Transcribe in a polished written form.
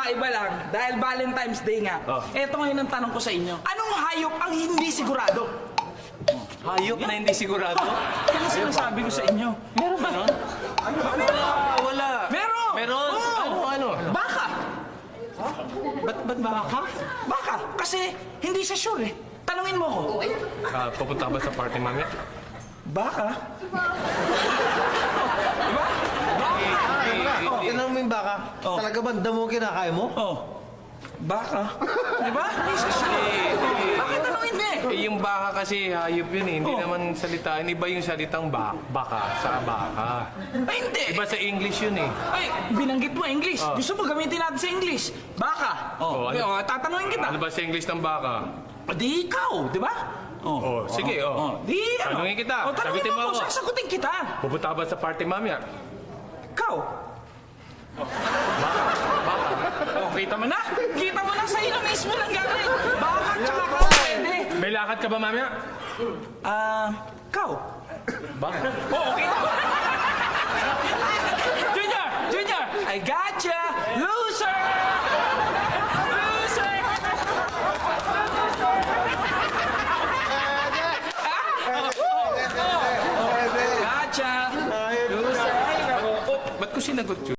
kakaiba lang, dahil Valentine's Day nga. Eto ngayon ang tanong ko sa inyo. Anong hayop ang hindi sigurado? Hayop na hindi sigurado? Yan ang sinasabi ko sa inyo. Meron ba nun? Wala. Meron! Meron? Oo. Ano? Baka! Ba't baka? Baka! Kasi hindi siya sure eh. Tanungin mo ko. Pupunta ka ba sa party, mami? Baka? Diba? Oh, tinanong mo yung baka. Oh. Talaga ba ang damo kinakain mo? Oh. Baka? Diba? Hindi siya sure. Bakit tanungin mo eh? Yung baka kasi hayop yun eh. Hindi naman salita. Iba yung salitang baka sa baka. Ay, hindi. Iba sa English yun eh. Ay, binanggit mo English. Gusto mo gamitin natin sa English. Baka. Oh, ano? Tatanungin kita. Ano ba sa English ng baka? Di ikaw, di ba? Oh, sige, oh. Di, ano? Tanungin kita. Tanungin Sagutin mo mo ako. ako. Sasagutin kita. Pupunta ka ba sa party, mami? Ikaw. Baka. Oh, kita mo na? Kita mo na sa iyo mismo lang galing. Baka tsaka ka pwede. May lakad ka ba, mami? Ikaw. Baka. Oo, kita mo. Junior! Junior! I gotcha! Loser! Loser! Gotcha! Loser! Ay, nako. Ba't ko sinagot yun?